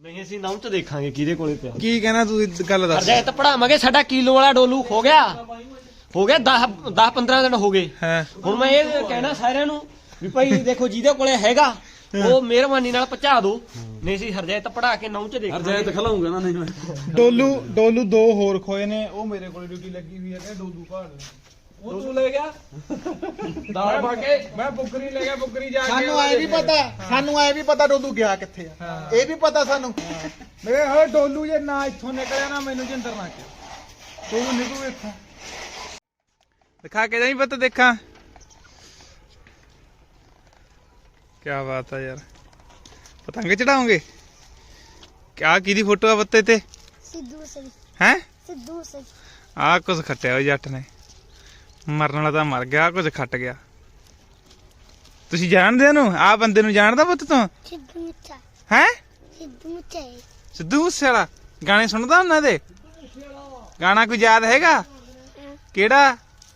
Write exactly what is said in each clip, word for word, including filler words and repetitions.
ਨਹੀਂ ਅਸੀਂ ਨਾਮ ਚ ਦੇਖਾਂਗੇ ਕਿਹਦੇ ਕੋਲੇ ਪਿਆ। ਕੀ ਕਹਿਣਾ ਤੂੰ ਗੱਲ ਦੱਸ। ਅਰਜੈਤ ਪੜਾਵਾਂਗੇ ਸਾਡਾ ਕਿਲੋ ਵਾਲਾ ਡੋਲੂ ਹੋ ਗਿਆ ਹੋ ਗਿਆ ਦਸ ਦਸ ਪੰਦਰਾਂ ਦਿਨ ਹੋ ਗਏ। ਹਾਂ ਹੁਣ ਮੈਂ ਇਹ ਕਹਿਣਾ ਸਾਰਿਆਂ ਨੂੰ ਵੀ ਭਾਈ ਦੇਖੋ ਜਿਹਦੇ ਕੋਲੇ ਹੈਗਾ ਉਹ ਮਿਹਰਬਾਨੀ ਨਾਲ ਪਹੁੰਚਾ ਦੋ, ਨਹੀਂ ਸੀ ਹਰਜੈਤ ਪੜਾ ਕੇ ਨਾਮ ਚ ਦੇਖ ਹਰਜੈਤ ਖਲਾਉਂਗਾ ਨਾ ਨਹੀਂ ਮੈਂ। ਡੋਲੂ ਡੋਲੂ ਦੋ ਹੋਰ ਖੋਏ ਨੇ, ਉਹ ਮੇਰੇ ਕੋਲ ਡਿਊਟੀ ਲੱਗੀ ਹੋਈ ਹੈ ਕਿ ਡੋਲੂ ਭਾਲ ਉਹ ਤੂੰ ਲੈ ਗਿਆ ਦਾਲ ਪਾ ਕੇ। ਮੈਂ ਬੁੱਕਰੀ ਲੈ ਗਿਆ, ਬੁੱਕਰੀ ਜਾ ਕੇ ਸਾਨੂੰ ਐ ਵੀ ਪਤਾ ਸਾਨੂੰ ਐ ਵੀ ਪਤਾ ਡੋਲੂ ਗਿਆ ਕਿੱਥੇ ਆ, ਇਹ ਵੀ ਪਤਾ ਸਾਨੂੰ। ਮੇਰੇ ਹੋਏ ਡੋਲੂ ਜੇ ਨਾ ਇੱਥੋਂ ਨਿਕਲਿਆ ਨਾ ਮੈਨੂੰ ਜਿੰਦਰ ਨਾ ਕਿ ਤੂੰ ਨਿਕੂ ਇੱਥੋਂ ਦਿਖਾ ਕੇ ਜਾਈ ਪਤਾ ਦੇਖਾਂ। ਕਿਆ ਬਾਤ ਹੈ ਯਾਰ, ਪਤੰਗ ਚੜਾਉਂਗੇ ਕਿਆ ਕਿਹਦੀ ਫੋਟੋ ਆ ਬੱਤੇ ਤੇ? ਸਿੱਧੂ ਸਹੀ ਹੈ ਸਿੱਧੂ ਸਹੀ ਆ ਕੁਝ ਖੱਟਿਆ ਉਹ ਜੱਟ ਨੇ, ਮਰਨ ਵਾਲਾ ਤਾਂ ਮਰ ਗਿਆ, ਕੁਝ ਖੱਟ ਗਿਆ। ਤੁਸੀਂ ਜਾਣਦੇ ਉਹਨੂੰ? ਆ ਬੰਦੇ ਨੂੰ ਜਾਣਦਾ ਪੁੱਤ ਤੂੰ? ਸਿੱਧੂ ਮੁੱਛਾ ਹੈ ਸਿੱਧੂ ਮੁੱਛਾ ਸਿੱਧੂ ਮੂਸੇਵਾਲਾ ਗਾਣੇ ਸੁਣਦਾ ਉਹਨਾਂ ਦੇ? ਗਾਣਾ ਕੋਈ ਯਾਦ ਹੈਗਾ ਕਿਹੜਾ?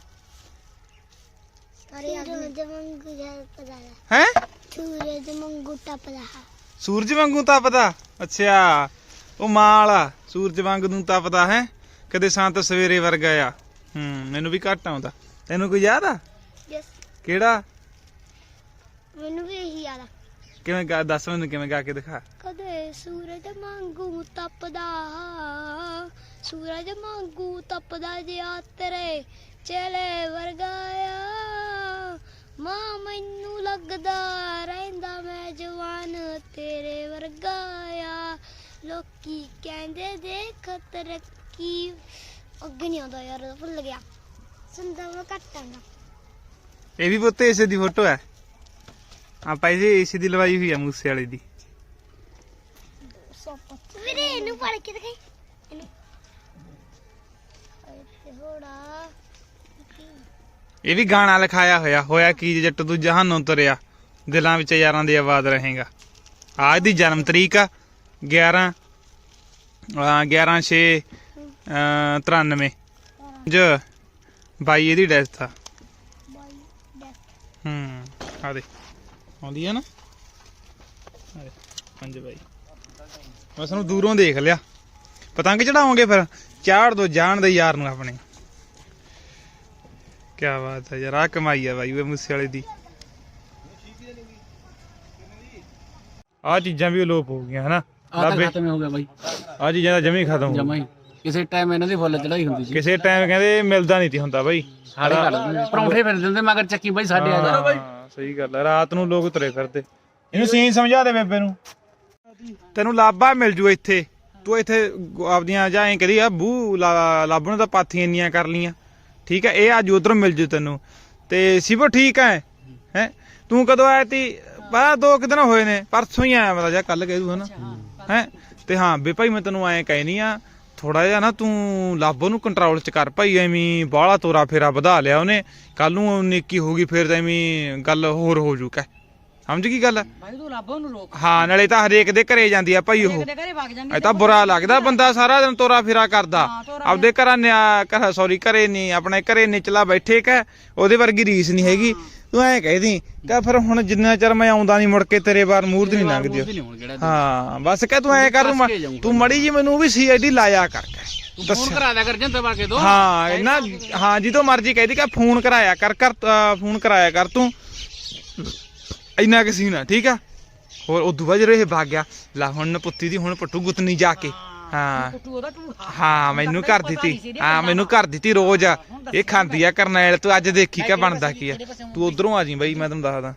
ਸੂਰਜ ਵਾਂਗੂ ਟੱਪਦਾ ਹੈ ਸੂਰਜ ਵਾਂਗੂ ਟੱਪਦਾ ਸੂਰਜ ਵਾਂਗੂ ਤਪਦਾ। ਅੱਛਾ ਉਹ ਮਾਂ ਵਾਲਾ ਸੂਰਜ ਵਾਂਗ ਨੂੰ ਤਪਦਾ ਹੈ, ਕਦੇ ਸੰਤ ਸਵੇਰੇ ਵਰਗਾ ਆ। ਹੂੰ ਮੈਨੂੰ ਵੀ ਘੱਟ ਆਉਂਦਾ, ਤੈਨੂੰ ਕੋਈ ਯਾਦ ਆ? ਯਸ ਕਿਹੜਾ? ਮੈਨੂੰ ਵੀ ਇਹੀ ਯਾਦ ਆ। ਕਿਵੇਂ ਗਾ ਦੱਸ ਮੈਨੂੰ, ਕਿਵੇਂ ਗਾ ਕੇ ਦਿਖਾ। ਕਦੇ ਸੂਰਜ ਵਾਂਗੂ ਤਪਦਾ ਸੂਰਜ ਵਾਂਗੂ ਤਪਦਾ ਜਿਆ ਤੇਰੇ ਚੇਲੇ ਵਰਗਾ ਆ, ਮਾਂ ਮੈਨੂੰ ਲੱਗਦਾ ਰਹਿੰਦਾ ਮੈਂ ਜਵਾਨ ਤੇਰੇ ਵਰਗਾ ਆ, ਲੋਕੀ ਕਹਿੰਦੇ ਦੇਖ ਤਰੱਕੀ। ਅੱਗੇ ਨਹੀਂ ਆਉਂਦਾ ਯਾਰ, ਭੁੱਲ ਗਿਆ, ਸੁਣਦਾ ਮੈਂ ਘੱਟ ਆਂਗਾ। ਇਹ ਵੀ ਪੁੱਤ ਇਸੇ ਦੀ ਫੋਟੋ ਹੈ, ਆਪਾਂ ਇਹ ਇਸੇ ਦੀ ਲਵਾਈ ਹੋਈ ਆ ਮੂਸੇ ਵਾਲੇ ਦੀ। ਵੀਰੇ ਇਹਨੂੰ ਪੜ ਕੇ ਦਿਖਾਈ ਇਹਨੂੰ ਹੋੜਾ। ਇਹ ਵੀ ਗਾਣਾ ਲਿਖਾਇਆ ਹੋਇਆ, ਹੋਇਆ ਕੀ ਜੱਟ ਤੂੰ ਜਹਾਨੋਂ ਤੁਰਿਆ, ਦਿਲਾਂ ਵਿੱਚ ਯਾਰਾਂ ਦੀ ਆਵਾਜ਼ ਰਹੇਗਾ। ਆ ਇਹਦੀ ਜਨਮ ਤਰੀਕ ਆ ਗਿਆਰਾਂ ਗਿਆਰਾਂ ਛੇ ਤਰਾਨਵੇਂ ਜ ਬਾਈ ਇਹਦੀ ਡੈਥ ਆ। ਹੂੰ ਆ ਦੇ ਆਉਂਦੀ ਆ ਨਾ ਪੰਜ ਬਾਈ। ਬਸ ਨੂੰ ਦੂਰੋਂ ਦੇਖ ਲਿਆ। ਪਤੰਗ ਚੜਾਓਗੇ ਫਿਰ? ਚਾੜ ਦੋ ਜਾਣ ਦੇ ਯਾਰ ਨੂੰ ਆਪਣੇ। ਕਿਆ ਬਾਤ ਹੈ ਯਾਰ, ਆ ਕਮਾਈ ਆ ਬਾਈ ਉਹ ਮੂਸੇ ਵਾਲੇ ਦੀ। ਆ ਚੀਜ਼ਾਂ ਵੀ ਅਲੋਪ ਹੋ ਗਈਆਂ ਹਨਾ, ਆ ਤਾਂ ਖਤਮ ਹੋ ਗਿਆ ਬਾਈ, ਆ ਚੀਜ਼ਾਂ ਤਾਂ ਜਮੀ ਖਤਮ ਹੋ ਜਮਾ ਹੀ। ਕਿਸੇ ਟਾਈਮ ਇਹਨਾਂ ਦੀ ਫੁੱਲ ਚੜਾਈ ਹੁੰਦੀ ਸੀ, ਕਿਸੇ ਟਾਈਮ ਕਹਿੰਦੇ ਮਿਲਦਾ ਨਹੀਂ ਤੀ ਹੁੰਦਾ ਬਾਈ। ਸਾਰੇ ਕੱਢ ਦਿੰਦੇ ਪਰੌਂਠੇ ਫਿਰ ਦਿੰਦੇ ਮਗਰ ਚੱਕੀ ਬਾਈ ਸਾਡੇ ਆ ਜਾ। ਹਾਂ ਸਹੀ ਗੱਲ ਹੈ, ਰਾਤ ਨੂੰ ਲੋਕ ਤੁਰੇ ਫਿਰਦੇ। ਇਹਨੂੰ ਸੀਨ ਸਮਝਾ ਦੇ ਬੇਬੇ ਨੂੰ, ਤੈਨੂੰ ਲਾਭਾ ਮਿਲ ਜੂ ਇੱਥੇ। ਤੂੰ ਇੱਥੇ ਆਪਦੀਆਂ ਜਾਂ ਐਂ ਕਰੀ ਆ ਬੂ ਲਾਭਣ ਤਾਂ ਪਾਥੀਆਂ ਇੰਨੀਆਂ ਕਰ ਲੀਆਂ, ਠੀਕ ਹੈ। ਇਹ ਅੱਜ ਉਧਰੋਂ ਮਿਲ ਜੂ ਤੈਨੂੰ। ਤੇ ਸਿਵੋ ਠੀਕ ਹੈ ਹੈ ਤੂੰ ਕਦੋਂ ਆਇਆ ਤੀ? ਬਾ ਦੋ ਕੁ ਦਿਨ ਹੋਏ ਨੇ, ਪਰਸੋਂ ਹੀ ਆਇਆ ਮੇਰਾ ਜਾਂ ਕੱਲ ਕਹਿ ਦੂ ਹਨਾ ਹੈ। ਤੇ ਹਾਂ ਬੇ ਭਾਈ ਮੈਂ ਤੈਨੂੰ ਐਂ ਕਹਿਨੀ ਆ, ਥੋੜਾ ਜਿਹਾ ਨਾ ਤੂੰ ਲਾਭੋ ਨੂੰ ਕੰਟਰੋਲ ਚ ਕਰ ਭਾਈ। ਐਵੇਂ ਬਾਹਲਾ ਤੋਰਾ ਫੇਰਾ ਵਧਾ ਲਿਆ ਉਹਨੇ, ਕੱਲ ਨੂੰ ਨੇਕੀ ਹੋ ਗਈ ਫਿਰ ਤਾਂ ਐਵੇਂ ਗੱਲ ਹੋਰ ਹੋ ਜੂ। ਕਹਿ ਸਮਝ ਗਈ ਗੱਲ? ਭਾਈ ਤੂੰ ਲਾਭੋ ਨੂੰ ਰੋਕ। ਹਾਂ ਨਾਲੇ ਤਾਂ ਹਰੇਕ ਦੇ ਘਰੇ ਜਾਂਦੀ ਆ ਭਾਈ ਉਹ, ਘਰੇ ਵਗ ਜਾਂਦੀ ਇਹ ਤਾਂ ਬੁਰਾ ਲੱਗਦਾ ਬੰਦਾ ਸਾਰਾ ਦਿਨ ਤੋਰਾ ਫੇਰਾ ਕਰਦਾ ਆਪਦੇ ਘਰਾਂ ਨਿਆ ਸੌਰੀ ਘਰੇ ਨਹੀਂ ਆਪਣੇ ਘਰੇ ਨਿਚਲਾ ਬੈਠੇ ਕਹ ਉਹਦੇ ਵਰਗੀ ਰੀਸ ਨਹੀਂ ਹੈਗੀ। ਤੂੰ ਐਂ ਕਹਿਦੀ ਕਹ ਫਿਰ ਹੁਣ ਜਿੰਨਾ ਚਿਰ ਮੈਂ ਆਉਂਦਾ ਨਹੀਂ ਮੁੜ ਕੇ ਤੇਰੇ ਬਾਰ ਮੂਰਤ ਨਹੀਂ ਲੰਘਦੀ। ਹਾਂ ਬਸ ਕਹਿ ਤੂੰ ਐਂ ਕਰ, ਤੂੰ ਮੜੀ ਜੀ ਮੈਨੂੰ ਵੀ ਸੀ ਆਈ ਡੀ ਲਾਇਆ ਕਰ, ਫੋਨ ਕਰਾ ਦਿਆ ਕਰ ਜੰਦਰ ਵਾਕੇ ਦੋ। ਹਾਂ ਇਹਨਾਂ ਹਾਂ ਜਦੋਂ ਮਰਜੀ ਕਹਿਦੀ ਕਿ ਫੋਨ ਕਰਾਇਆ ਕਰ ਕਰ ਫੋਨ ਕਰਾਇਆ ਕਰ ਤੂੰ, ਇੰਨਾ ਕਿ ਸੀ ਨਾ ਠੀਕ ਆ। ਹੋਰ ਉਦੋਂ ਬਾਅਦ ਜਦੋਂ ਇਹ ਭਾਗ ਗਿਆ ਲਾ ਹੁਣ ਪੁੱਤੀ ਦੀ ਹੁਣ ਪੱਟੂ ਗੁੱਤਨੀ ਜਾ ਕੇ। ਹਾਂ ਹਾਂ ਮੈਨੂੰ ਕਰ ਦਿੱਤੀ, ਹਾਂ ਮੈਨੂੰ ਕਰ ਦਿੱਤੀ ਰੋਜ਼ ਇਹ ਖਾਂਦੀ ਆ ਕਰਨੈਲ। ਤੂੰ ਅੱਜ ਦੇਖੀ ਕਿਆ ਬਣਦਾ ਕੀ ਆ। ਤੂੰ ਉਧਰੋਂ ਆ ਜੀ ਬਾਈ, ਮੈਂ ਤੈਨੂੰ ਦੱਸਦਾ।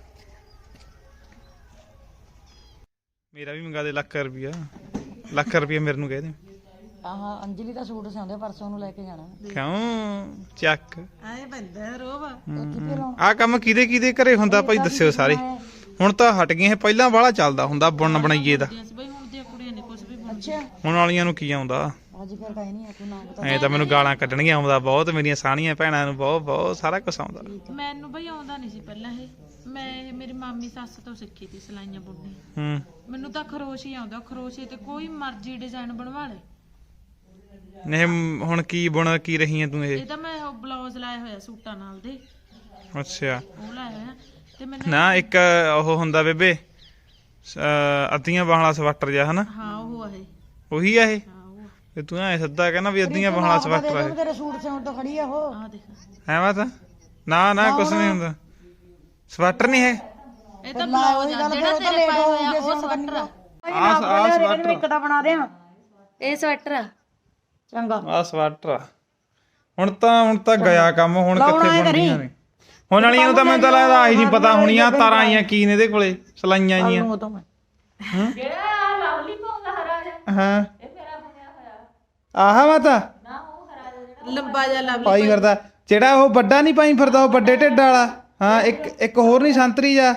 ਮੇਰਾ ਵੀ ਮੰਗਾ ਦੇ ਲੱਖ ਰੁਪਿਆ, ਲੱਖ ਰੁਪਿਆ ਮੇਰੇ ਨੂੰ ਕਹਿ ਦੇ। ਆਹ ਅੰਜਲੀ ਦਾ ਸੂਟ ਸਿਆਉਂਦੇ ਪਰਸੋਂ ਨੂੰ ਲੈ ਕੇ ਜਾਣਾ। ਕਿਉਂ ਚੱਕ ਐ ਬੰਦਾ ਰੋਬ ਆ ਕੰਮ ਕਿਹਦੇ ਕਿਹਦੇ ਘਰੇ ਹੁੰਦਾ ਭਾਈ ਦੱਸਿਓ ਸਾਰੇ। ਹੁਣ ਤਾਂ ਹਟ ਗਏ, ਪਹਿਲਾਂ ਵਾਲਾ ਚੱਲਦਾ ਹੁੰਦਾ ਬੁਣ ਬਣਾਈਏ ਦਾ। ਅੱਛਾ ਹੁਣ ਵਾਲੀਆਂ ਨੂੰ ਕੀ ਆਉਂਦਾ? ਅੱਜ ਕੱਲ ਕਾਈ ਨਹੀਂ ਆ, ਤੂੰ ਨਾ ਪਤਾ। ਐ ਤਾਂ ਮੈਨੂੰ ਗਾਲਾਂ ਕੱਢਣੀਆਂ ਆਉਂਦਾ ਬਹੁਤ, ਮੇਰੀਆਂ ਸਾਣੀਆਂ ਭੈਣਾਂ ਨੂੰ ਬਹੁਤ ਬਹੁਤ ਸਾਰਾ ਕੁਝ ਆਉਂਦਾ। ਮੈਨੂੰ ਬਈ ਆਉਂਦਾ ਨਹੀਂ ਸੀ ਪਹਿਲਾਂ। ਇਹ ਮੈਂ ਇਹ ਮੇਰੀ ਮਾਮੀ ਸੱਸ ਤੋਂ ਸਿੱਖੀ ਤੀ ਸਲਾਈਆਂ ਬੁਣਨੀ। ਹੂੰ ਮੈਨੂੰ ਤਾਂ ਖਰੋਸ਼ੀ ਆਉਂਦਾ, ਖਰੋਸ਼ੀ ਤੇ ਕੋਈ ਮਰਜ਼ੀ ਡਿਜ਼ਾਈਨ ਬਣਵਾ ਲੈ। ਨਹੀਂ ਹੁਣ ਕੀ ਬੁਣ ਕੀ ਰਹੀ ਐ ਤੂੰ? ਇਹ ਇਹ ਤਾਂ ਮੈਂ ਉਹ ਬਲਾਉਜ਼ ਲਾਇਆ ਹੋਇਆ ਸੂਟਾਂ ਨਾਲ ਦੇ। ਅੱਛਾ ਉਹ ਲਾਇਆ ਹੋਇਆ ਤੇ ਮੈਨੂੰ ਨਾ ਇੱਕ ਉਹ ਹੁੰਦਾ ਬੇਬੇ ਅੱਧੀਆਂ ਬਾਹਾਂ ਵਾਲਾ ਸਵੈਟਰ ਜਿਹਾ ਹਨਾ। ਹਾਂ ਉਹ ਆ ਇਹ ਉਹੀ ਆ ਇਹ ਹਾਂ ਉਹ ਤੇ ਤੂੰ ਐ ਸੱਦਾ ਕਹਿੰਦਾ ਵੀ ਅੱਧੀਆਂ ਬਾਹਾਂ ਸਵੈਟਰ ਆ ਤੇਰੇ ਸੂਟ ਸਿਉਣ ਤੋਂ ਖੜੀ ਆ ਉਹ ਆ ਦੇਖ ਹੈ ਵਾ ਤਾਂ ਨਾ ਨਾ ਕੁਛ ਨਹੀਂ ਹੁੰਦਾ ਸਵੈਟਰ ਨਹੀਂ ਹੈ ਇਹ ਤਾਂ ਬਲੌਜ਼ ਆ ਜਿਹੜਾ ਤੇਰੇ ਪਾਇਆ ਹੋਇਆ ਉਹ ਸਵੈਟਰ ਆ ਆ ਆ ਸਵੈਟਰ ਇੱਕ ਤਾਂ ਬਣਾ ਦਿਆਂ ਇਹ ਸਵੈਟਰ ਆ ਚੰਗਾ ਆ ਸਵੈਟਰ ਆ। ਹੁਣ ਤਾਂ ਹੁਣ ਤਾਂ ਗਿਆ ਕੰਮ ਹੁਣ ਕਿੱਥੇ ਬਣਦੀਆਂ ਨੇ ਹੁਣ ਵਾਲੀਆਂ ਨੂੰ ਤਾਂ ਮੈਨੂੰ ਤਾਂ ਲੱਗਦਾ ਆਹੀ ਨਹੀਂ ਪਤਾ ਹੋਣੀਆਂ ਤਾਰਾਂ ਆਈਆਂ ਕੀ ਨੇ ਇਹਦੇ ਕੋਲੇ ਸਲਾਈਆਂ ਜੀਆਂ ਉਹ ਤਾਂ ਮੈਂ ਜਿਹੜਾ ਲਵਲੀ ਪਾਉਂਦਾ ਹਰਾ ਜਿਹਾ ਹਾਂ ਇਹ ਮੇਰਾ ਬਣਿਆ ਹੋਇਆ ਆਹ ਵਾ ਤਾਂ ਨਾ ਉਹ ਹਰਾ ਜਿਹਾ ਜਿਹੜਾ ਲੰਬਾ ਜਿਹਾ ਲਵਲੀ ਪਾਈ ਫਿਰਦਾ ਜਿਹੜਾ ਉਹ ਵੱਡਾ ਨਹੀਂ ਪਾਈ ਫਿਰਦਾ ਉਹ ਵੱਡੇ ਢਿੱਡ ਵਾਲਾ ਹਾਂ ਇੱਕ ਇੱਕ ਹੋਰ ਨਹੀਂ ਸੰਤਰੀ ਜਾ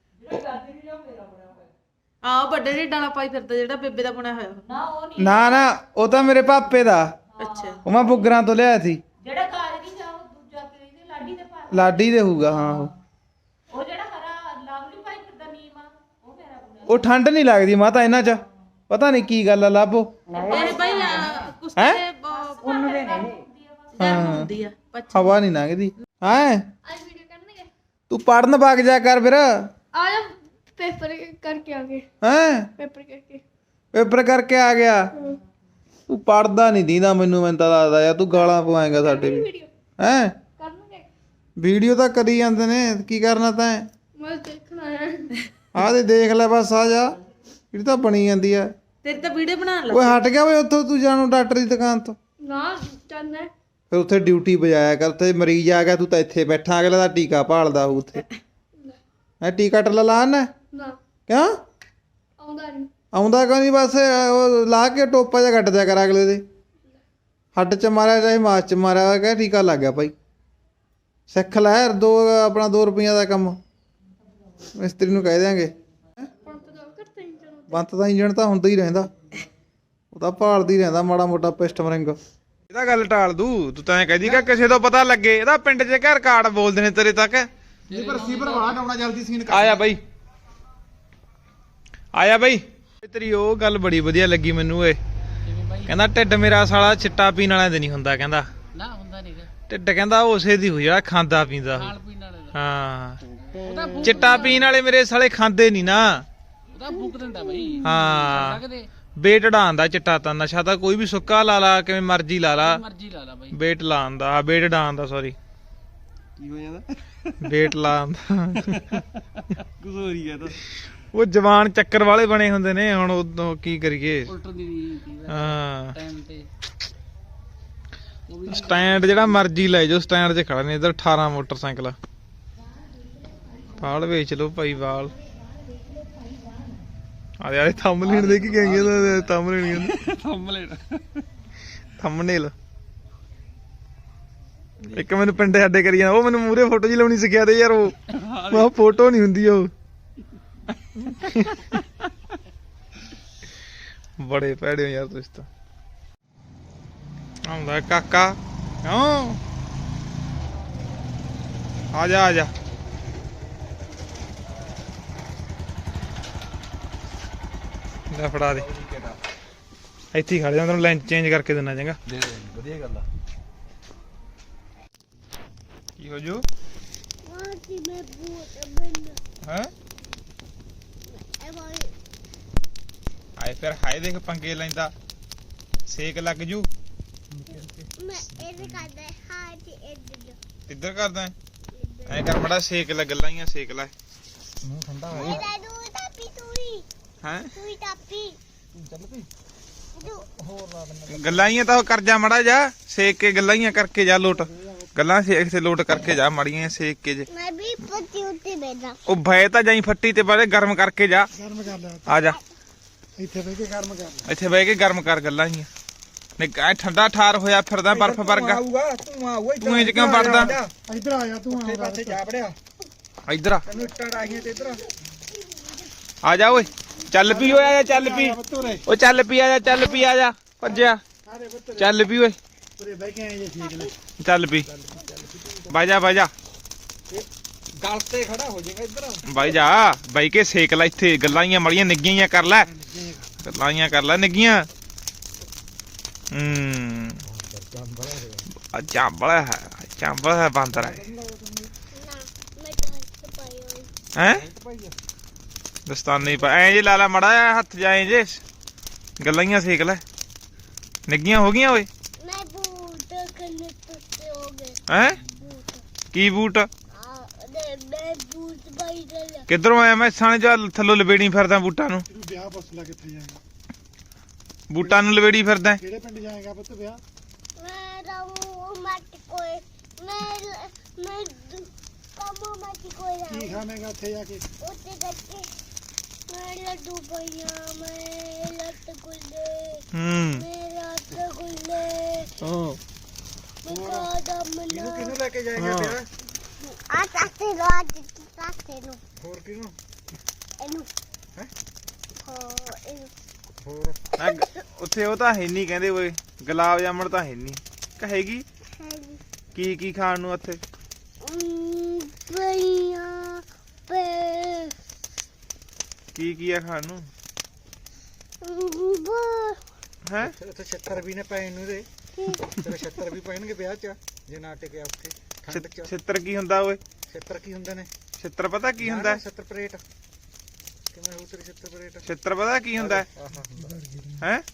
ਆ ਵੱਡੇ ਢਿੱਡ ਵਾਲਾ ਪਾਈ ਫਿਰਦਾ ਜਿਹੜਾ ਬੇਬੇ ਦਾ ਬਣਿਆ ਹੋਇਆ ਨਾ ਉਹ ਨਹੀਂ ਨਾ ਨਾ ਉਹ ਤਾਂ ਮੇਰੇ ਪਾਪੇ ਦਾ ਅੱਛਾ ਉਹ ਮੈਂ ਬੁੱਗਰਾਂ ਤੋਂ ਲਿਆਇਆ ਸੀ ਜਿਹੜਾ ਕਾਜਰੀ ਜਾ ਉਹ ਦੂਜਾ ਕਿ ਇਹਦੇ ਲਾਡੀ ਦੇ ਪਾ ਲਾਡੀ ਦੇ ਹੋਊਗਾ ਹਾਂ ਉਹ ਉਹ ਜਿਹੜਾ ਹਰਾ ਲਵਲੀ ਪਾਈ ਫਿਰਦਾ ਨੀਮ ਆ ਉਹ ਮੇਰਾ ਬਣਿਆ ਉਹ ਠੰਡ ਨਹੀਂ ਲੱਗਦੀ ਮਾਤਾ ਇਹਨਾਂ ਚ ਪਤਾ ਨਹੀਂ ਕੀ ਗੱਲ ਆ ਲੱਭੋ ਇਹ ਭਾਈ ਕੁਛ ਤੇ ਉਹਨ ਦੇ ਨੇ ਹੁੰਦੀ ਆ ਪੱਛ ਹਵਾ ਨਹੀਂ ਲੰਘਦੀ ਹੈ ਅੱਜ ਵੀਡੀਓ ਕਰਨਗੇ ਤੂੰ ਪੜਨ ਵਗ ਜਾ ਕਰ ਫਿਰ ਆ ਜਾ ਪੇਪਰ ਕਰਕੇ ਆ ਗਏ ਹੈ ਪੇਪਰ ਕਰਕੇ ਪੇਪਰ ਕਰਕੇ ਆ ਗਿਆ ਤੂੰ ਪੜਦਾ ਨਹੀਂ ਦੀਦਾ ਮੈਨੂੰ ਮੈਨੂੰ ਤਾਂ ਲੱਗਦਾ ਯਾਰ ਤੂੰ ਗਾਲਾਂ ਪਵਾਏਗਾ ਸਾਡੇ ਵੀ ਵੀਡੀਓ ਹੈ ਕਰਨਗੇ ਵੀਡੀਓ ਤਾਂ ਕਰੀ ਜਾਂਦੇ ਨੇ ਕੀ ਕਰਨਾ ਤੈਂ ਮੈਂ ਦੇਖਣਾ ਹੈ ਆਹ ਤੇ ਦੇਖ ਲੈ ਬਸ ਆ ਜਾ ਜਿਹੜੀ ਤਾਂ ਬਣੀ ਜਾਂਦੀ ਆ ਤੇਰੀ ਤਾਂ ਵੀਡੀਓ ਬਣਾਉਣ ਲੱਗ ਓਏ ਹਟ ਗਿਆ ਓਏ ਉੱਥੋਂ ਤੂੰ ਜਾਣੂ ਡਾਕਟਰ ਦੀ ਦੁਕਾਨ ਤੋਂ ਨਾ ਚੱਲਣਾ ਫਿਰ ਉੱਥੇ ਡਿਊਟੀ ਬਜਾਇਆ ਕਰ ਉੱਥੇ ਮਰੀਜ਼ ਆ ਗਿਆ ਤੂੰ ਤਾਂ ਇੱਥੇ ਬੈਠਾ ਅਗਲੇ ਦਾ ਟੀਕਾ ਭਾਲਦਾ ਹੋਊ ਉੱਥੇ ਹੈ ਟੀਕਾ ਟੱਲਾ ਲਾਣ ਨਾ ਕਿਉਂ ਆਉਂਦਾ ਨਹੀਂ ਆਉਂਦਾ ਕਿਉਂ ਨਹੀਂ ਬਸ ਉਹ ਲਾ ਕੇ ਟੋਪਾ ਜਿਹਾ ਕੱਟ ਦਿਆ ਕਰ ਅਗਲੇ ਦੇ ਹੱਡ ਚ ਮਾਰਿਆ ਚਾਹੇ ਮਾਸ ਚ ਮਾਰਿਆ ਕਹਿ ਟੀਕਾ ਲੱਗ ਗਿਆ ਭਾਈ ਸਿੱਖ ਲੈ ਦੋ ਆਪਣਾ ਦੋ ਰੁਪਈਆਂ ਦਾ ਕੰਮ ਮਿਸਤਰੀ ਨੂੰ ਕਹਿ ਦਿਆਂਗੇ ਪੰਤ ਦਾ ਕਰਤੇ ਹੀ ਚਲੋ ਬੰਤ ਦਾ ਇੰਜਣ ਤਾਂ ਹੁੰਦਾ ਹੀ ਰਹਿੰਦਾ ਉਹ ਤਾਂ ਭਾਲਦਾ ਹੀ ਰਹਿੰਦਾ ਮਾੜਾ ਮੋਟਾ ਪਿਸਟ ਮਰਿੰਗ ਇਹਦਾ ਗੱਲ ਟਾਲ ਦੂ ਤੂੰ ਤਾਂ ਐ ਕਹਦੀ ਕਿ ਕਿਸੇ ਤੋਂ ਪਤਾ ਲੱਗੇ ਇਹਦਾ ਪਿੰਡ 'ਚ ਘਰ ਕਾਰਡ ਬੋਲਦੇ ਨੇ ਤੇਰੇ ਤੱਕ ਪਰ ਸੀਵਰ ਵਾਲਾ ਡਾਉਣਾ ਜਲਦੀ ਸੀਨ ਕਰ ਆਇਆ ਬਾਈ ਆਇਆ ਬਾਈ ਤੇਰੀ ਉਹ ਗੱਲ ਬੜੀ ਵਧੀਆ ਲੱਗੀ ਮੈਨੂੰ ਓਏ ਕਹਿੰਦਾ ਢਿੱਡ ਮੇਰਾ ਸਾਲਾ ਚਿੱਟਾ ਪੀਣ ਵਾਲਿਆਂ ਦੇ ਨਹੀਂ ਹੁੰਦਾ ਕਹਿੰਦਾ ਨਾ ਹੁੰਦਾ ਨਹੀਂਗਾ ਢਿੱਡ ਕਹਿੰਦਾ ਉਸੇ ਦੀ ਹੋ ਜਿਹੜਾ ਖਾਂਦਾ ਪੀਂਦਾ ਖਾਣ ਪੀਣ ਵਾਲੇ ਦਾ ਹਾਂ ਚਿੱਟਾ ਪੀਣ ਵਾਲੇ ਮੇਰੇ ਸਾਲੇ ਖਾਂਦੇ ਨਹੀਂ ਨਾ ਉਹਦਾ ਫੂਕ ਦਿੰਦਾ ਬਈ ਹਾਂ ਸਕਦੇ ਵੇਟ ਢਾਂਦਾ ਚਿੱਟਾ ਤਾਂ ਨਸ਼ਾ ਤਾਂ ਕੋਈ ਵੀ ਸੁੱਕਾ ਲਾ ਲਾ ਕਿਵੇਂ ਮਰਜ਼ੀ ਲਾ ਲਾ ਮਰਜ਼ੀ ਲਾ ਲਾ ਬਈ ਵੇਟ ਲਾਉਣ ਦਾ ਆ ਵੇਟ ਢਾਂਣ ਦਾ ਸੌਰੀ ਕੀ ਹੋ ਜਾਂਦਾ ਵੇਟ ਲਾਉਣ ਦਾ ਕੁਝ ਹੋ ਰਹੀ ਹੈ ਤਾਂ ਉਹ ਜਵਾਨ ਚੱਕਰ ਵਾਲੇ ਬਣੇ ਹੁੰਦੇ ਨੇ ਹੁਣ ਉਦੋਂ ਕੀ ਕਰੀਏ ਉਲਟਰ ਦੀ ਹਾਂ ਟਾਈਮ ਤੇ ਸਟੈਂਡ ਜਿਹੜਾ ਮਰਜ਼ੀ ਲੈ ਜਾਓ ਸਟੈਂਡ 'ਚ ਖੜਾ ਨੇ ਇਧਰ ਅਠਾਰਾਂ ਮੋਟਰਸਾਈਕਲ ਆ ਵਾਲ ਵੇਚ ਲਓ ਭਾਈ ਵਾਲ ਆ ਯਾਰ ਥੰਬਨੇਲ ਦੇ ਕੀ ਕਹਿੰਗੇ ਥੰਬਨੇਲ ਥੰਬਨੇਲ ਥੰਬਨੇਲ ਇੱਕ ਮੈਨੂੰ ਪਿੰਡੇ ਸਾਡੇ ਕਰੀ ਜਾਂਦਾ ਉਹ ਮੈਨੂੰ ਮੂਰੇ ਫੋਟੋ ਜੀ ਲਾਉਣੀ ਸਿੱਖਿਆ ਤੇ ਯਾਰ ਉਹ ਮੈਂ ਫੋਟੋ ਨਹੀਂ ਹੁੰਦੀ ਉਹ ਬੜੇ ਭੈੜੇ ਹੋ ਯਾਰ ਤੁਸੀਂ ਤਾਂ ਆਉਂਦਾ ਕਾਕਾ ਕਿਉਂ ਆ ਜਾ ਆ ਜਾ ਲੈ ਫੜਾ ਦੇ ਇੱਥੇ ਹੀ ਖੜ ਜਾ ਤੈਨੂੰ ਲੈਂਚ ਚੇਂਜ ਕਰਕੇ ਦੇਣਾ ਚੰਗਾ ਦੇ ਦੇ ਵਧੀਆ ਗੱਲ ਆ ਕੀ ਹੋ ਜੂ ਵਾਹ ਕਿ ਮੈਂ ਬੂਟ ਬੰਨ ਹੈ ਐ ਵਾਈ ਆਏ ਫਿਰ ਹਾਏ ਦੇਖ ਪੰਗੇ ਲੈਂਦਾ ਸੇਕ ਲੱਗ ਜੂ ਮੈਂ ਇਹ ਕਰਦਾ ਹਾਂ ਜੀ ਇੱਧਰ ਇੱਧਰ ਕਰਦਾ ਐ ਕਰ ਮੜਾ ਸੇਕ ਲੱਗ ਲਾਈਆਂ ਸੇਕ ਲੈ ਮੂੰਹ ਠੰਡਾ ਹੋ ਇਹ ਲੈ ਦੂ ਟਾਪੀ ਤੂਈ ਹੈ ਤੂਈ ਟਾਪੀ ਚੱਲ ਪਈ ਦੂ ਹੋਰ ਲਾ ਦਿੰਦਾ ਗੱਲਾਂੀਆਂ ਤਾਂ ਉਹ ਕਰ ਜਾ ਮੜਾ ਜਾ ਸੇਕ ਕੇ ਗੱਲਾਂੀਆਂ ਕਰਕੇ ਜਾ ਲੋਟ ਗੱਲਾਂ ਸੇਕ ਤੇ ਲੋਟ ਕਰਕੇ ਜਾ ਮੜੀਆਂ ਸੇਕ ਕੇ ਜੇ ਮੈਂ ਵੀ ਪੱਤੀ ਉੱਤੇ ਬੈਠਾ ਉਹ ਭੈ ਤਾਂ ਜਾਈ ਫੱਟੀ ਤੇ ਬਾਰੇ ਗਰਮ ਕਰਕੇ ਜਾ ਗਰਮ ਕਰ ਲਿਆ ਆ ਜਾ ਇੱਥੇ ਬਹਿ ਕੇ ਗਰਮ ਕਰ ਲਿਆ ਇੱਥੇ ਬਹਿ ਕੇ ਗਰਮ ਕਰ ਗੱਲਾਂੀਆਂ ਨੇ ਐ ਠੰਡਾ ਠਾਰ ਹੋਇਆ ਫਿਰਦਾ ਬਰਫ਼ ਵਰਗਾ ਆਊਗਾ ਤੂੰ ਆਊਗਾ ਤੂੰ ਇੰਜ ਕਿਉਂ ਵੜਦਾ ਇੱਧਰ ਆ ਜਾ ਤੂੰ ਆ ਪਾਸੇ ਜਾ ਵੜਿਆ ਇੱਧਰ ਆ ਤੈਨੂੰ ਇੱਟਾਂ ਡਾਹੀਆਂ ਤੇ ਇੱਧਰ ਆ ਜਾ ਓਏ ਚੱਲ ਪੀ ਓਏ ਆ ਜਾ ਚੱਲ ਪੀ ਤੁਰੇ ਓ ਚੱਲ ਪੀ ਆ ਜਾ ਚੱਲ ਪੀ ਆ ਜਾ ਭੱਜਿਆ ਸਾਰੇ ਬੱਤਰੇ ਚੱਲ ਪੀ ਓਏ ਤੁਰੇ ਬਹਿ ਕੇ ਆਏ ਜੇ ਠੀਕ ਨੇ ਚੱਲ ਪੀ ਬਾਜਾ ਬਾਜਾ ਗਲ ਤੇ ਖੜਾ ਹੋ ਜਾਏਗਾ ਇੱਧਰ ਬਾਈ ਜਾ ਬਾਈ ਕੇ ਸੇਕ ਲੈ ਇੱਥੇ ਗੱਲਾਂ ਹੀ ਮੜੀਆਂ ਨਿੱਗੀਆਂ ਹੀ ਕਰ ਲੈ ਗੱਲਾਂ ਹੀ ਕਰ ਲੈ ਨਿੱਗੀਆਂ ਹੂੰ ਆ ਚਾਂਬਲਾ ਹੈ ਚਾਂਬਲਾ ਹੈ ਬਾਂਦਰ ਹੈ ਨਾ ਮੈਂ ਤਾਂ ਹੱਥ ਪਾਇਆ ਹੈ ਦਸਤਾਨੇ ਪਾ ਐ ਜੇ ਲਾ ਲਾ ਮੜਾ ਹੱਥ ਜਾਏ ਜੇ ਗੱਲਾਂ ਹੀ ਸੇਕ ਲੈ ਨਿੱਗੀਆਂ ਹੋ ਗਈਆਂ ਓਏ मैं बूट करने तुझसे हो गए ਹੈ बूट ਕੀ ਬੂਟ आ दे मैं बूट भाई दे ले ਕਿੱਧਰੋਂ ਆਇਆ ਮੈਂ ਸਾਣੇ ਜਾ ਥੱਲੋਂ ਲਵੇੜੀ ਫਿਰਦਾ ਬੂਟਾਂ ਨੂੰ ਵਿਆਹ ਪੁੱਛ ਲੈ ਕਿੱਥੇ ਜਾਏਗਾ ਬੂਟਾਂ ਨੂੰ ਲਵੇੜੀ ਫਿਰਦਾ ਕਿਹੜੇ ਪਿੰਡ ਜਾਏਗਾ ਪੁੱਤ ਵਿਆਹ मैं रहूं मत कोई मैं मैं कमो मत कोई ਕੀ रहूं ਖਾਵੇਂਗਾ ਉੱਥੇ ਜਾ ਕੇ उसे करके मैं लड्डू भैया मैं रसगुल्ले ਹੂੰ मैं रसगुल्ले ਹਾਂ मैं कदम ਕਿਹਨੂੰ ना ਕਿਹਨੂੰ ਲੈ ਕੇ ਜਾਏਗਾ ਵਿਆਹ आ साथे लो आ साथे लो ਹੋਰ ਕਿਹਨੂੰ ਇਹਨੂੰ ਹੈਂ? ਹਾਂ ਇਹਨੂੰ ਹੋਰ ਆ ਗ- ਉੱਥੇ ਉਹ ਤਾਂ ਹੈ ਨਹੀਂ ਕਹਿੰਦੇ ਓਏ ਗੁਲਾਬ ਜਾਮਣ ਤਾਂ ਹੈ ਨਹੀਂ ਕਹੇਗੀ ਹੈਗੀ ਕੀ ਕੀ ਖਾਣ ਨੂੰ ਉੱਥੇ ਭਈਆ ਪੇ ਕੀ ਕੀ ਆ ਖਾਣ ਨੂੰ ਬੋ ਹੈ ਉੱਥੇ ਛੱਤਰ ਵੀ ਨੇ ਪੈਣ ਨੂੰ ਦੇ ਤੇਰੇ ਛੱਤਰ ਵੀ ਪੈਣਗੇ ਵਿਆਹ 'ਚ ਜੇ ਨਾ ਟਿਕਿਆ ਉੱਥੇ ਠੰਡ 'ਚ ਛਿੱਤਰ ਕੀ ਹੁੰਦਾ ਓਏ ਛੱਤਰ ਕੀ ਹੁੰਦੇ ਨੇ ਛਿੱਤਰ ਪਤਾ ਕੀ ਹੁੰਦਾ ਛੱਤਰ ਪਰੇਟ ਕਿਵੇਂ ਹੋ ਤੇਰੀ ਛੱਤਰ ਪਰੇਟ ਛਿੱਤਰ ਪਤਾ ਕੀ ਹੁੰਦਾ ਆਹਾ ਹੁੰਦਾ ਹੈ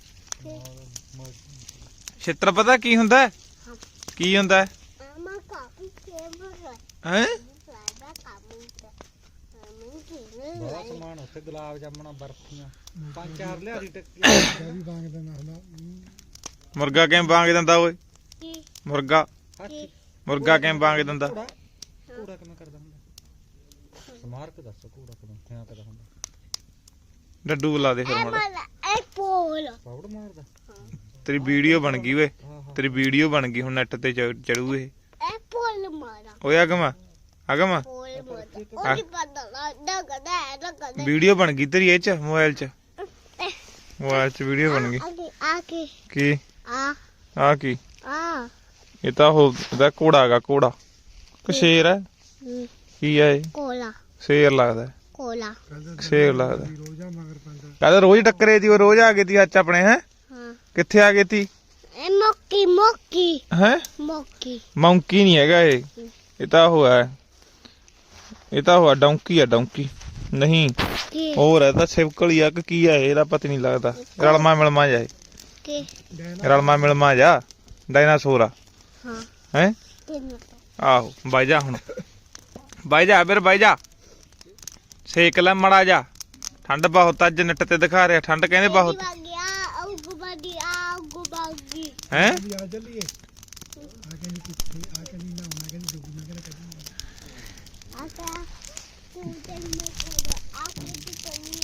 ਛਿੱਤਰ ਪਤਾ ਕੀ ਹੁੰਦਾ ਕੀ ਹੁੰਦਾ ਆਮਾ ਕਾਫੀ ਫੇਮਸ ਹੈ ਹੈ ਸਾਡਾ ਕੰਮ ਹੈ ਮੈਂ ਕਿਹਨੇ ਬੜਾ ਸਮਾਨ ਉੱਥੇ ਗੁਲਾਬ ਜਾਮਣਾ ਬਰਫੀਆਂ ਪੰਜ ਚਾਰ ਲਿਆ ਦੀ ਟੱਕੀ ਵੀ ਵਾਂਗਦਾ ਨਾ ਮੁਰਗਾ ਕਿਵੇਂ ਵਾਂਗ ਦਿੰਦਾ ਓਏ ਕੀ ਮੁਰਗਾ ਕੀ ਮੁਰਗਾ ਕਿਵੇਂ ਵਾਂਗ ਦਿੰਦਾ ਘੋੜਾ ਘੋੜਾ ਕਿਵੇਂ ਕਰਦਾ ਹੁੰਦਾ ਸਮਾਰਕ ਦੱਸ ਘੋੜਾ ਕਿਵੇਂ ਕਿਆ ਕਰਦਾ ਹੁੰਦਾ ਡੱਡੂ ਬੁਲਾ ਦੇ ਫਿਰ ਇਹ ਹੁਣ ਮਾਲਾ ਇਹ ਪੋਲ ਪਾਉੜ ਮਾਰਦਾ ਤੇਰੀ ਵੀਡੀਓ ਬਣ ਗਈ ਓਏ ਆਹਾ ਤੇਰੀ ਵੀਡੀਓ ਬਣ ਗਈ ਹੁਣ ਨੈਟ ਤੇ ਚੜੂ ਇਹ ਇਹ ਪੋਲ ਮਾਰਾ ਓਏ ਅਗਮਾ ਅਗਮਾ ਪੋਲ ਮਾਰਾ ਉਹ ਨਹੀਂ ਪਤਾ ਲੱਗਦਾ ਕਦਾ ਹੈ ਨਾ ਕਦਾ ਵੀਡੀਓ ਬਣ ਗਈ ਤੇਰੀ ਇਹ ਚ ਮੋਬਾਈਲ ਚ ਮੋਬਾਈਲ ਚ ਵੀਡੀਓ ਬਣ ਗਈ ਆਕੇ ਆਕੇ ਕੀ ਆ ਆ ਕੀ ਆ ਇਹ ਤਾਂ ਉਹ ਇਹਦਾ ਘੋੜਾ ਹੈਗਾ ਘੋੜਾ ਕਿ ਸ਼ੇਰ ਹੈ ਕੀ ਹੈ ਇਹ ਕੋਲਾ ਸ਼ੇਰ ਲੱਗਦਾ ਹੈ। ਕੋਲਾ ਸ਼ੇਰ ਲੱਗਦਾ ਕਹਿੰਦਾ ਰੋਜ਼ ਟੱਕਰੇ ਦੀ ਉਹ ਰੋਜ਼ ਆ ਗਈ ਤੀ ਅੱਜ ਆਪਣੇ ਹੈ ਹਾਂ ਕਿੱਥੇ ਆ ਗਈ ਤੀ ਇਹ ਮੋਕੀ ਮੋਕੀ ਹੈ ਮੋਕੀ ਮੌਂਕੀ ਨਹੀਂ ਹੈਗਾ ਇਹ ਇਹ ਤਾਂ ਉਹ ਹੈ ਇਹ ਤਾਂ ਉਹ ਡੌਂਕੀ ਆ ਡੌਂਕੀ ਨਹੀਂ ਕੀ ਹੋਰ ਹੈ ਤਾਂ ਸਿਵਕਲ ਆ ਕਿ ਕੀ ਆ ਇਹ, ਇਹਦਾ ਪਤਾ ਨਹੀਂ ਲੱਗਦਾ ਰਲਮਾ ਮਿਲਮਾ ਜਾਏ ਕੀ ਰਲਮਾ ਮਿਲਮਾ ਜਾ ਡਾਇਨਾਸੌਰ ਆ ਹਾਂ ਹੈ ਤਿੰਨ ਆਹੋ ਬਾਈ ਜਾ ਹੁਣ ਬਾਈ ਜਾ ਫਿਰ ਬਾਈ ਜਾ ਸੇਕ ਲੈ ਮੜਾ ਜਾ ਠੰਡ ਬਹੁਤ ਅੱਜ ਨੈਟ ਤੇ ਦਿਖਾ ਰਿਹਾ ਠੰਡ ਕਹਿੰਦੇ ਬਹੁਤ ਗਿਆ ਆਉ ਬਾਦੀ ਆਉ ਬਾਗੀ ਹੈ ਆ ਚੱਲੀਏ ਆ ਕਹਿੰਦੀ ਕਿੱਥੇ ਆ ਕਹਿੰਦੀ ਨਾ ਹੋਣਾ ਕਹਿੰਦੀ ਡੁੱਬ ਨਾ ਕਹਿੰਦਾ ਆਕਾ ਤੂੰ ਤੇ ਮੈਂ ਕੋਲ ਆਕੇ ਦੀ ਪਈ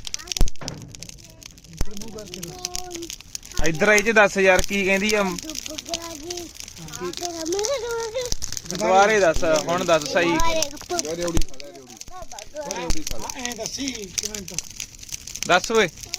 ਹੈ ਇੱਧਰ ਆਈ ਚ ਦੱਸ ਯਾਰ ਕੀ ਕਹਿੰਦੀ ਆ ਡੁੱਬ ਗਿਆ ਜੀ ਆਕੇ ਹਮੇ ਡੁੱਬ ਦੁਬਾਰੇ ਦੱਸ ਹੁਣ ਦੱਸ ਸਹੀ ਗਿਆ ਐ ਦੱਸੀ ਕਿਵੇਂ ਤਾਂ ਦੱਸ ਓਏ